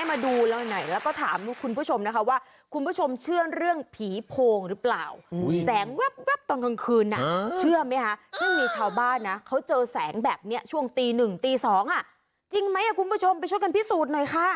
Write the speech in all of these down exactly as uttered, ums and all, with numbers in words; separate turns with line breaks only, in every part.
ให้มาดูแล้วหน่อยแล้วก็ถามคุณผู้ชมนะคะว่าคุณผู้ชมเชื่อเรื่องผีโพงหรือเปล่าแสงแวบๆตอนกลางคืนน่ะเชื่อไหมคะซึ่งมีชาวบ้านนะเขาเจอแสงแบบเนี้ยช่วงตีหนึ่งตีสองอ่ะจริงไหมอะคุณผู้ชมไปช่วยกันพิสูจน์หน่อยค่ะ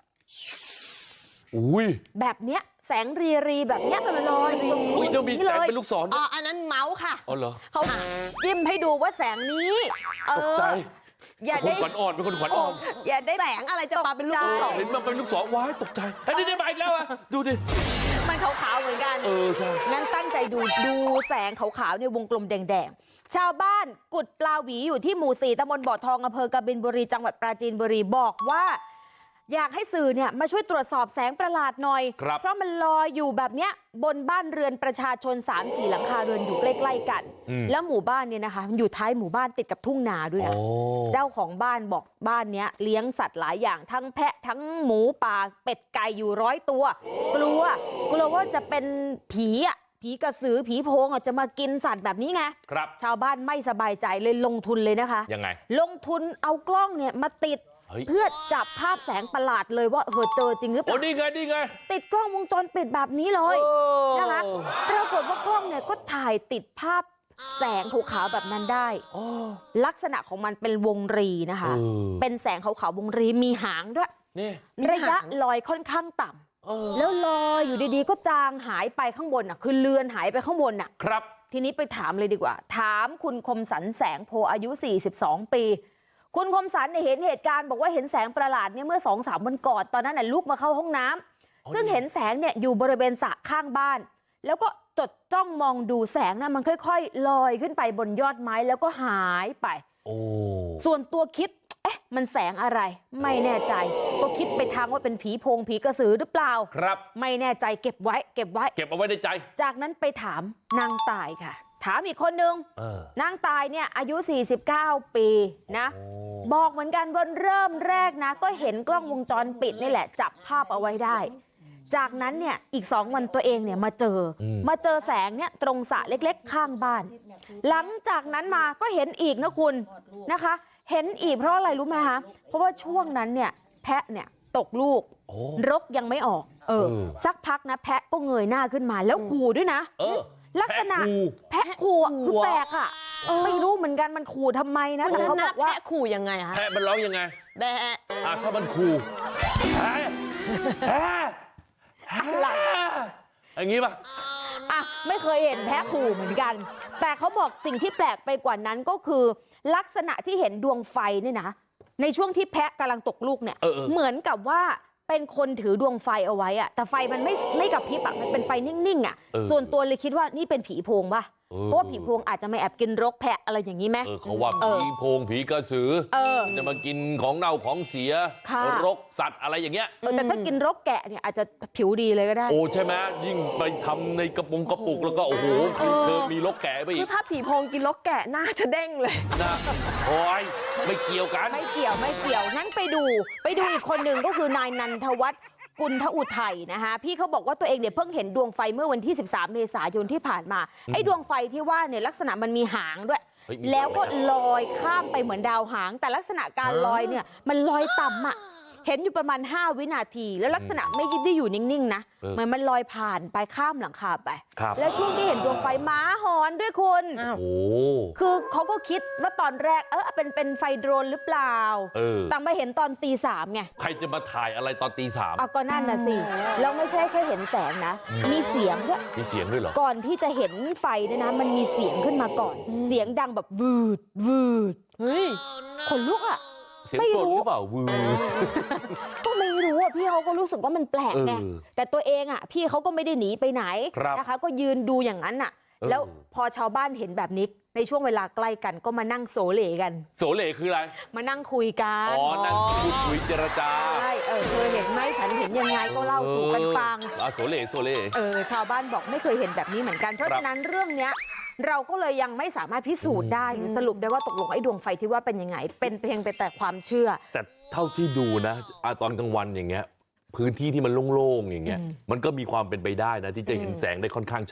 อุ้ย
แบบเนี้ยแสงรีรีแบบเนี้ยมันลอยตรงนี้เลยมีแสง
เป็นลูกศร
อ๋ออันนั้นเมาส์ค่ะ
อ๋อเหรอ
เขาจิ้มให้ดูว่าแสงนี้เออ
อย่าได้ขวัญอ่อนเป็นคนขวัญอ่อน
อย่าได้
แสงอะไรจะมาเป็นลูกศร
เห็นมันเป็นลูกศรว้ายตกใจไอ้นี่ได้มาอีกแล้วอ่ะดูดิ
มันขาวๆเหมือนกัน
เออใช่
งั้นตั้งใจดูดูแสงขาวๆในวงกลมแดงๆชาวบ้านกุดปลาหวีอยู่ที่หมู่สี่ตำบลบ่อทองอำเภอกบินบุรีจังหวัดปราจีนบุรีบอกว่าอยากให้สื่อเนี่ยมาช่วยตรวจสอบแสงประหลาดหน่อยเพราะมันลอยอยู่แบบเนี้ยบนบ้านเรือนประชาชน สามสี่ หลังคาเรือนอยู่ใกล้ๆกันแล้วหมู่บ้านเนี่ยนะคะอยู่ท้ายหมู่บ้านติดกับทุ่งนาด้วยนะเจ้าของบ้านบอกบ้านเนี้ยเลี้ยงสัตว์หลายอย่างทั้งแพะทั้งหมูป่าเป็ดไก่อยู่ร้อยตัวกลัวกลัวว่าจะเป็นผีอ่ะผีกระสือผีโพงอ่ะจะมากินสัตว์แบบนี้ไง
ครับ
ชาวบ้านไม่สบายใจเลยลงทุนเลยนะคะ
ยังไง
ลงทุนเอากล้องเนี่ยมาติดเพื่อจับภาพแสงประหลาดเลยว่าเออเจอจริงหรือเปล่า
โอ้นี่ไงนี่ไง
ติดกล้องวงจรปิดแบบนี้เลยนะคะปรากฏว่ากล้องเนี่ยก็ถ่ายติดภาพแสงขาวๆแบบนั้นได้ลักษณะของมันเป็นวงรีนะคะเป็นแสงขาวๆวงรีมีหางด้วยระยะลอยค่อนข้างต่ำแล้วลอยอยู่ดีๆก็จางหายไปข้างบนอ่ะคือเลือนหายไปข้างบนอ่ะ
ครับ
ทีนี้ไปถามเลยดีกว่าถามคุณคมสันแสงโพอายุสี่สิบสองปีคุณคมสันเนี่ยเห็นเหตุการณ์บอกว่าเห็นแสงประหลาดเนี่ยเมื่อ สองสาม วันก่อนตอนนั้นน่ะลุกมาเข้าห้องน้ำซึ่งเห็นแสงเนี่ยอยู่บริเวณสระข้างบ้านแล้วก็จดจ้องมองดูแสงน่ะมันค่อยๆลอยขึ้นไปบนยอดไม้แล้วก็หายไป
โอ้
ส่วนตัวคิดเอ๊ะมันแสงอะไรไม่แน่ใจก็คิดไปทางว่าเป็นผีโพงผีกระสือหรือเปล่า
ครับ
ไม่แน่ใจเก็บไว้เก็บไว้
เก็บเอาไว้ในใจ
จากนั้นไปถามนางตายค่ะถามอีกคนนึงนางตายเนี่ยอายุสี่สิบเก้าปีนะบอกเหมือนกันว่าเริ่มแรกนะก็เห็นกล้องวงจรปิดนี่แหละจับภาพเอาไว้ได้จากนั้นเนี่ยอีกสองวันตัวเองเนี่ยมาเจอมาเจอแสงเนี่ยตรงสระเล็กๆข้างบ้านหลังจากนั้นมาก็เห็นอีกนะคุณนะคะเห็นอีกเพราะอะไรรู้ไหมคะเพราะว่าช่วงนั้นเนี่ยแพะเนี่ยตกลูกรกยังไม่ออกเออสักพักนะแพะก็เงยหน้าขึ้นมาแล้วขู่ด้วยนะลักษณะแพะขู่คือแปลกอ่ะไม่รู้เหมือนกันมันขู่ทำไมนะ
แต่เขาบอกว่าแพะขู่ยังไงคะ
แพะมันร้องยังไง
แบะ
อ่ะถ้ามันขู่แพะแพะอะไรอย่างงี้ป่ะ
อ่ะไม่เคยเห็นแพะขู่เหมือนกันแต่เขาบอกสิ่งที่แปลกไปกว่านั้นก็คือลักษณะที่เห็นดวงไฟเนี่ยนะในช่วงที่แพะกำลังตกลูกเนี่ยเหมือนกับว่าเป็นคนถือดวงไฟเอาไว้อะแต่ไฟมันไม่ไม่กระพริบอะมันเป็นไฟนิ่งๆอะส่วนตัวเลยคิดว่านี่เป็นผีโพงป่ะเพราะว่าผีโพงอาจจะมาแอบกินรกแพะอะไรอย่างนี้ไหม
เขาว่าผีโพงผีกระสือจะมากินของเน่าของเสียรกสัตว์อะไรอย่างเงี้ย
แต่ถ้ากินรกแกะเนี่ยอาจจะผิวดีเลยก็ได้
โอ้ใช่ไหมยิ่งไปทำในกระปุกกระปุกแล้วก็โอ้โหเธอมีรกแกะไปอีก
คือถ้าผีโพงกินรกแกะน่าจะเด้งเลย
นะโอ้ยไม่เกี่ยวกัน
ไม่เกี่ยวไม่เกี่ยวงั้นไปดูไปดูอีกคนหนึ่งก็คือนายนันทวัฒน์กุลทอุทัยนะคะพี่เขาบอกว่าตัวเองเนี่ยเพิ่งเห็นดวงไฟเมื่อวันที่สิบสามเมษายนที่ผ่านมาไอ้ดวงไฟที่ว่าเนี่ยลักษณะมันมีหางด้วยแล้วก็ลอยข้ามไปเหมือนดาวหางแต่ลักษณะการลอยเนี่ยมันลอยต่ำอ่ะเห็นอยู่ประมาณห้าวินาทีแล้วลักษณะไม่ได้อยู่นิ่งๆนะเหมือนมันลอยผ่านไปข้ามหลังคาไปแล้วช่วงที่เห็นดวงไฟม้าหอนด้วยคุณคือเขาก็คิดว่าตอนแรกเออเป็นเป็นไฟโดรนหรือเปล่าแต่มาเห็นตอนตีสามไง
ใครจะมาถ่ายอะไรตอนตีสาม
อ่ะก็นั่นน่ะสิแล้วไม่ใช่แค่เห็นแสงนะมีเสียงด้วย
มีเสียงด้วยเหรอ
ก่อนที่จะเห็นไฟเนี่ยนะมันมีเสียงขึ้นมาก่อนเสียงดังแบบวืดวืดเฮ้ยขนลุกอ่ะ
ไม่รู้หรือเปล่าวือ
ก็ไม่รู้อ่ะพี่เขาก็รู้สึกว่ามันแปลกไงแต่ตัวเองอ่ะพี่เขาก็ไม่ได้หนีไปไหนนะคะก็ยืนดูอย่างนั้นน่ะแล้วพอชาวบ้านเห็นแบบนี้ในช่วงเวลาใกล้กันก็มานั่งโสเลกัน
โสเลคืออะไร
มานั่งคุยกัน
อ๋อนั่งพูดคุยเจรจา
ใช่เออเธอเห็นไหมฉันเห็นยังไงก็เล่าสู่กันฟัง
อ่ะโสเลโสเล
เออชาวบ้านบอกไม่เคยเห็นแบบนี้เหมือนกันเพราะฉะนั้นเรื่องเนี้ยเราก็เลยยังไม่สามารถพิสูจน์ได้หรือสรุปได้ว่าตกลงไอ้ดวงไฟที่ว่าเป็นยังไงเป็นเพียงแต่ความเชื่อ
แต่เท่าที่ดูนะตอนกลางวันอย่างเงี้ยพื้นที่ที่มันโล่งๆอย่างเงี้ยมันก็มีความเป็นไปได้นะที่จะเห็นแสงได้ค่อนข้างชัด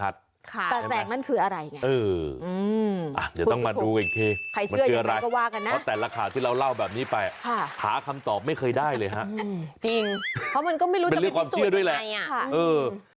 ค่ะ
แต่แสงนั่นคืออะไรไง
เออ
อืม
อ่ะเดี๋ยวต้องมาดูอีกที
ใครเชื่อ
มันคื
ยังไงก็ว่ากันนะ
เพราะแต่ละข่าวที่เราเล่าแบบนี้ไป
ค่ะ
หาคำตอบไม่เคยได้เลยฮะ
จริง เพราะมันก็ไม่รู้
เป็น
จะ
เรื่
ไป
องความ
พิสู
เชื่
จ
อ
น์
ด้วย
ยัง
แหละ
ไงอ่ะ
ค่ะ
เออ